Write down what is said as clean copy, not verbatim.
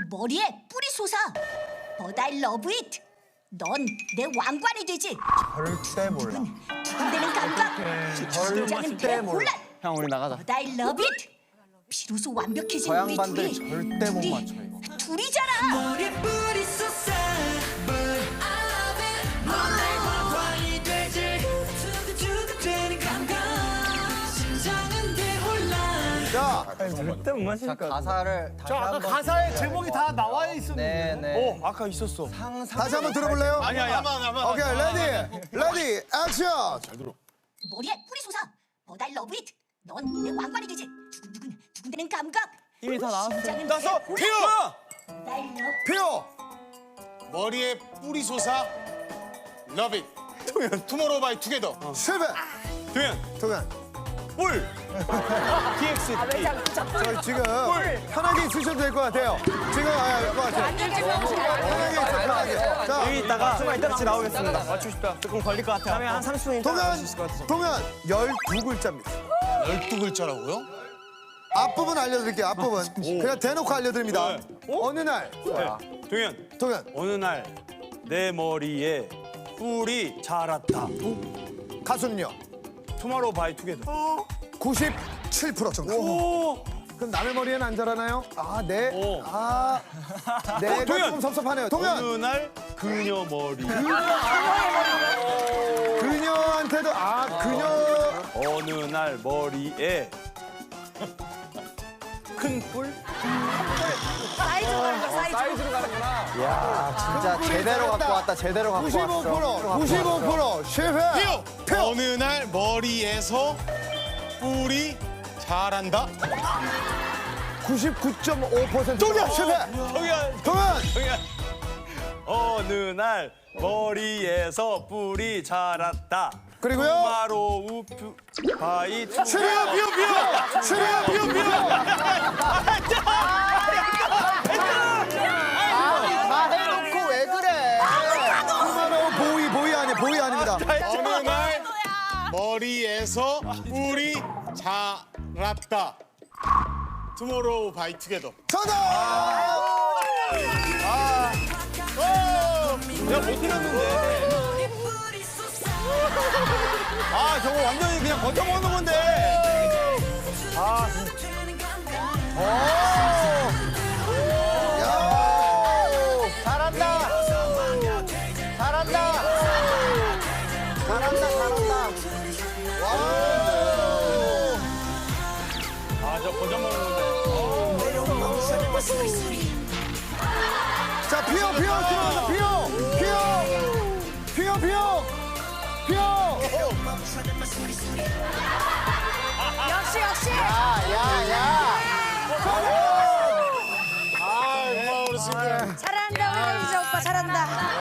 머리에 뿌리 솟아. But I love it. 넌 내 왕관이 되지. 절대 몰라. 두근대는 감각. 긴장은 대혼란. 형 우리 나가자. But I love it. 비로소 완벽해진 저 우리 양반들 둘이. 절대 못 맞춰 이거. 둘이잖아. 머리에 뿌리 쏟아 But I love it 넌내 왕관이 되지 두근두근대는 감각 심장은 대혼란 자, 절대 못 마실 것 같아. 가사를 다시 저 아까 한번 가사에 제목이 다 나와 있었는데. 네. 아까 있었어. 다시 한번 들어볼래요? 아니야. 오케이, 레디, 액션! 머리에 뿌리 솟아. But I love it. 넌 내 왕관이 되지. 두근두근대는 감각. 이미 다 나왔어. 심장은 나서 대혼란. 피어. But I love 피오! 머리에 뿌리 솟아 Love it 투모로우 바이 투게더 실패! 도현. 동현, 뿔. TX. 저 지금 편하게 있으셔도 될 것 같아요. 지금, 될것 같아요. 편하게 있어, 편하게. 자, 여기 있다가 같이 나오겠습니다. 맞추고 싶다. 조금 걸릴 것 같아. 다음에 한 30분 있다 나올 수 있을 것 같아서. 동현 12글자입니다. 12글자라고요? 앞부분 알려드릴게요, 앞부분. 그냥 대놓고 알려드립니다. 어느 날, 동현. 동현, 어느 날 내 머리에 뿔이 자랐다. 가수는요? 투모로우 바이 투게더. 97% 정답. 오. 그럼 남의 머리에는 안 자라나요? 아, 네. 오. 아, 내가 동현! 조금 섭섭하네요. 동현! 어느 날 그녀 머리. 그녀한테도, 그녀. 어느 날 머리에 큰 뿔? 야, 진짜 제대로 갖고 왔다. 제대로 갖고 왔어. 95% 실패. 피어! 어느 날 머리에서 뿔이 자란다 99.5% 동현 실패. 동현. 동현 동현. 어느 날 머리에서 뿔이 자랐다. 그리고요? 투마로우 바이 투. 실패. 실패. 다 해놓고 왜 그래? 투마로우 보이 아닙니다. 어느 날 머리에서 뿔이 자랐다 투모로우 바이 투게더 정답. 내가 못 틀렸는데. 뿌리 쏟아 아 저거 완전히 그냥 버텨먹는 건데. 두근두근대는 감각 잘한다. 아 저 버텨먹는 건데. 자, 피어 들어가서 피어. 역시. 야. 아 고마워 우리 친구 잘한다 우리 이제 오빠 잘한다.